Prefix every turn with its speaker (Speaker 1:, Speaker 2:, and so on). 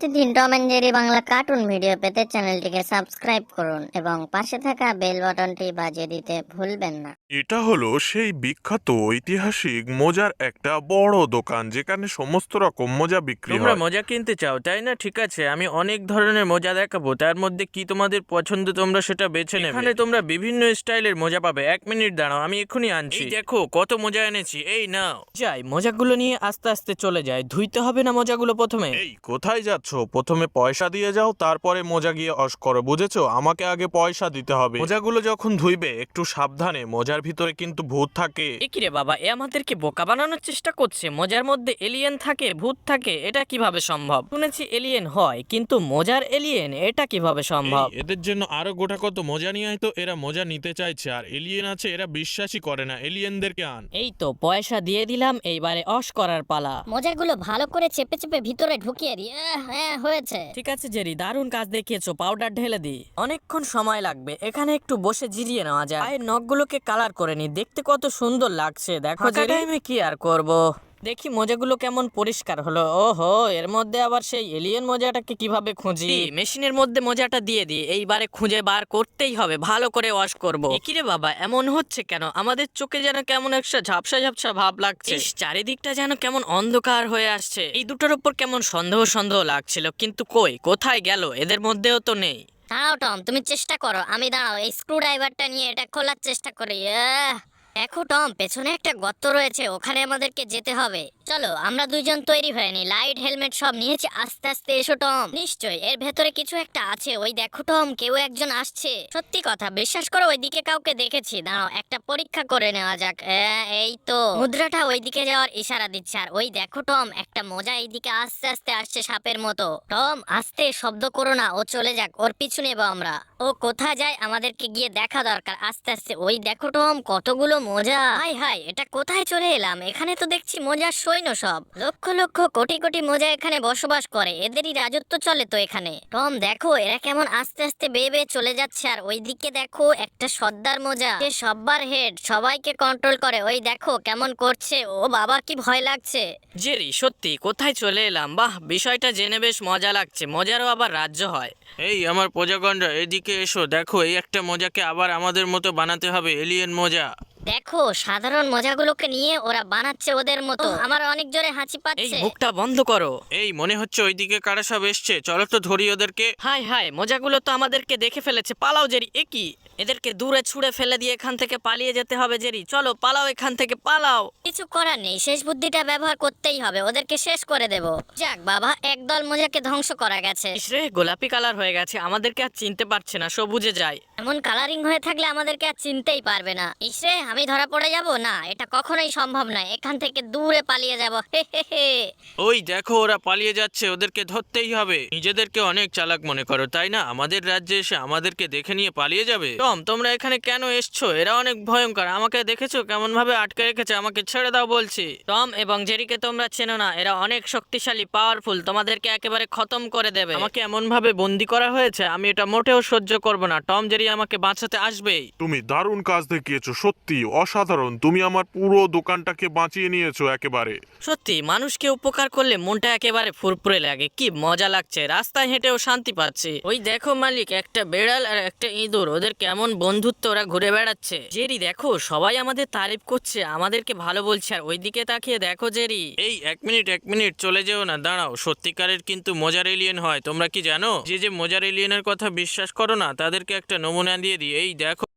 Speaker 1: প্রতিদিন Tom and Jerry Bangla cartoon video পেতে চ্যানেলটিকে সাবস্ক্রাইব করুন এবং পাশে থাকা বেল বাটনটি বাজিয়ে দিতে ভুলবেন না।
Speaker 2: এটা হলো সেই বিখ্যাত ঐতিহাসিক মোজার একটা বড় দোকান যেখানে সমস্ত রকম মোজা বিক্রি
Speaker 3: তোমরা
Speaker 2: হয়।
Speaker 3: মোজা কিনতে চাও তাই না? ঠিক আছে, আমি অনেক ধরনের মোজা দেখাবো, তার মধ্যে কি তোমাদের পছন্দ তোমরা সেটা বেছে নেবে। এখানে তোমরা বিভিন্ন স্টাইলের মোজা পাবে। 1 মিনিট দাঁড়াও, আমি এক্ষুনি আনছি। এই দেখো কত মোজা এনেছি, এই নাও। যাই, মোজাগুলো নিয়ে আস্তে আস্তে চলে যায়। ধুইতে হবে না মোজাগুলো প্রথমে?
Speaker 2: এই কোথায় যাচ্ছ? প্রথমে পয়সা দিয়ে যাও, তারপরে মোজা গিয়ে অস করো, বুঝেছো? আমাকে আগে পয়সা দিতে হবে। মোজাগুলো যখন ধুইবে একটু সাবধানে, মোজার ভিতরে কিন্তু ভূত থাকে।
Speaker 3: এ কি রে বাবা, এ আমাদেরকে বোকা বানানোর চেষ্টা করছে। মোজার মধ্যে এলিয়েন থাকে, ভূত থাকে, এটা কিভাবে সম্ভব? শুনেছি এলিয়েন হয়, কিন্তু মোজার এলিয়েন এটা কিভাবে সম্ভব?
Speaker 2: এই, এদের জন্য আরো গোটা কত মোজা নিয়ে আয় তো। এরা মোজা নিতে চাইছে, আর এলিয়েন আছে, এরা বিশ্বাসই করে না। এলিয়েনদেরকে আন।
Speaker 3: এই তো পয়সা দিয়ে দিলাম, এইবারে অস করার পালা।
Speaker 1: মোজাগুলো ভালো করে চেপে চেপে ভিতরে ঢুকিয়ে দিই। হ্যাঁ, হয়েছে।
Speaker 3: ঠিক আছে জেরি, দারুণ কাজ দেখিয়েছো। পাউডার ঢেলে দি। অনেকক্ষণ সময় লাগবে, এখানে একটু বসে জিরিয়ে নেওয়া যায়। পায়ের নখগুলোকে কালার করে নি, দেখতে কত সুন্দর লাগছে। দেখো জেরি, আমি কি আর করব। দেখি মোজাগুলো কেমন পরিষ্কার হলো। ওহো, এর মধ্যে আবার সেই এলিয়েন মোজাটাকে কিভাবে খুঁজি? মেশিনের মধ্যে মোজাটা দিয়ে দিই, এইবারে খুঁজে বার করতেই হবে, ভালো করে ওয়াশ করব। কি রে বাবা, এমন হচ্ছে কেন? আমাদের চোখে যেন কেমন একটা ঝাপসা ঝাপসা ভাব লাগছে। ইস, চারিদিকটা যেন কেমন অন্ধকার হয়ে আসছে। এই দুটোর উপর কেমন সন্দেহ সন্দেহ লাগছিল, কিন্তু কই, কোথায় গেল? এদের মধ্যেও তো নেই।
Speaker 1: দাঁড়াও টম, তুমি চেষ্টা করো, আমি দাঁড়াও এই স্ক্রু ড্রাইভারটা নিয়ে এটা খোলার চেষ্টা করি। দেখো টম, পেছনে একটা গর্ত রয়েছে, ওখানে আমাদেরকে যেতে হবে। চলো আমরা দুইজন তৈরি হয়ে নি, লাইট হেলমেট সব নিয়েছি। আস্তে আস্তে এসো টম। নিশ্চয়ই এর ভেতরে কিছু একটা আছে। ওই দেখো টম, কেউ একজন আসছে। সত্যি কথা, বিশ্বাস করো ওইদিকে কাউকে দেখেছি। দাঁড়াও একটা পরীক্ষা করে নেওয়া যাক। এই তো মুদ্রাটা ওইদিকে যাওয়ার ইশারা দিচ্ছে। আর ওই দেখো টম, একটা মোজা এইদিকে আস্তে আস্তে আসছে সাপের মতো। টম আস্তে, শব্দ করো না, ও চলে যাক, ওর পিছু নেবো আমরা। ও কোথায় যায় আমাদেরকে গিয়ে দেখা দরকার। আস্তে আস্তে। ওই দেখো টম, কতগুলো মোজা। হাই হাই, এটা কোথায় চলে এলাম? এখানে তো দেখছি মোজার সৈন্য সব। লক্ষ লক্ষ কোটি কোটি মোজা এখানে বসবাস করে, এদেরই রাজত্ব চলে তো এখানে। টম দেখো, এরা কেমন আস্তে আস্তে বেয়ে বেয়ে চলে যাচ্ছে। আর ওইদিকে দেখো একটা সর্দার মোজা, সে সব্বার হেড, সবাইকে কন্ট্রোল করে। ওই দেখো কেমন করছে। ও বাবা, কি ভয় লাগছে।
Speaker 3: জেরি, সত্যি কোথায় চলে এলাম? বাহ, বিষয়টা জেনে বেশ মজা লাগছে। মোজারও আবার রাজ্য হয়। এই আমার প্রজাগণরা, এদিকে এসো। দেখো, এই একটা মোজাকে আবার আমাদের মতো বানাতে হবে, এলিয়েন মোজা।
Speaker 1: দেখো সাধারণ মোজাগুলোকে নিয়ে ওরা বানাচ্ছে ওদের মতো। আমার অনেক জোরে হাঁচি
Speaker 3: এই
Speaker 1: পাচ্ছে।
Speaker 3: মুখটা বন্ধ করো। এই মনে হচ্ছে ওইদিকে কারা সব এসছে, চলো তো ধরি ওদেরকে। হাই হাই, মোজাগুলো তো আমাদেরকে দেখে ফেলেছে। পালাও জেরি। এ কি, এদেরকে দূরে ছুঁড়ে ফেলে দিয়ে এখান থেকে পালিয়ে যেতে হবে। জেরি চলো, পালাও এখান থেকে, পালাও।
Speaker 1: কিছু করার নেই, শেষ বুদ্ধিটা ব্যবহার করতেই হবে, ওদেরকে শেষ করে দেব। যাক বাবা, একদল মোজাকে ধ্বংস করা গেছে।
Speaker 3: ইসরে, গোলাপি কালার হয়ে গেছে, আমাদেরকে আর চিনতে পারছে না, সবুজে যায়।
Speaker 1: এমন কালারিং হয়ে থাকলে আমাদেরকে আর চিনতেই পারবে না। ইসরে, আমি ধরা পড়ে যাব না, এটা কখনোই সম্ভব নয়। এখান থেকে দূরে পালিয়ে যাব। হে হে হে।
Speaker 3: ওই দেখো, ওরা পালিয়ে যাচ্ছে, ওদেরকে ধরতেই হবে। নিজেদেরকে অনেক চালাক মনে করো তাই না? আমাদের রাজ্যে এসে আমাদেরকে দেখে নিয়ে পালিয়ে যাবে। টম, তোমরা এখানে কেন এসছো? এরা অনেক ভয়ঙ্কর। আমাকে দেখেছো কেমন ভাবে আটকে রেখেছে? আমাকে ছেড়ে দাও বলছি। টম এবং জেরিকে তোমরা চেনো না, এরা অনেক শক্তিশালী, পাওয়ারফুল, তোমাদেরকে একেবারে খতম করে দেবে। আমাকে এমন ভাবে বন্দি করা হয়েছে, আমি এটা মোটেও সহ্য করব না। টম, জেরি আমাকে বাঁচাতে আসবেই।
Speaker 2: তুমি দারুণ কাজ দেখিয়েছো, সত্যি অসাধারণ। তুমি আমার পুরো দোকানটাকে বাঁচিয়ে নিয়েছো একেবারে।
Speaker 3: সত্যি, মানুষকে উপকার করলে মনটা একেবারে ফুরফুরে লাগে। কি মজা লাগছে, রাস্তায় হেঁটেও শান্তি পাচ্ছি। ওই দেখো মালিক, একটা বেড়াল আর একটা ইঁদুর, ওদের কেমন বন্ধুত্ব, ওরা ঘুরে বেড়াচ্ছে। জেরি দেখো, সবাই আমাদের তারিফ করছে, আমাদেরকে ভালো বলছে। আর ওইদিকে তাকিয়ে দেখো জেরি। এই 1 মিনিট চলে যেও না, দাঁড়াও। সত্যিকারের কিন্তু মোজার এলিয়েন হয়, তোমরা কি জানো? যে যে মোজার এলিয়েনের কথা বিশ্বাস করো না, তাদেরকে একটা নমুনা দিয়ে দিই। এই দেখো।